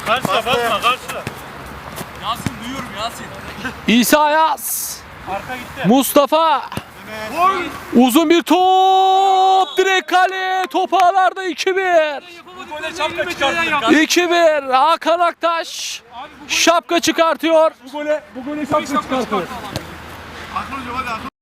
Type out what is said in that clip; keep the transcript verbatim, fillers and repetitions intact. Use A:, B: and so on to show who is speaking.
A: Karşıla basma karşıla.
B: Yasin duyuyorum Yasin.
C: İsa Yaz.
A: Arka gitti.
C: Mustafa. Uzun bir top. Direkt kale. Top ağlarda iki bir.
B: Bu gole şapka çıkarttık.
C: iki bir. Hakan Aktaş. Şapka çıkartıyor.
B: Bu gole, bu gole şapka çıkarttık.
A: Akıllıca hadi akıllı.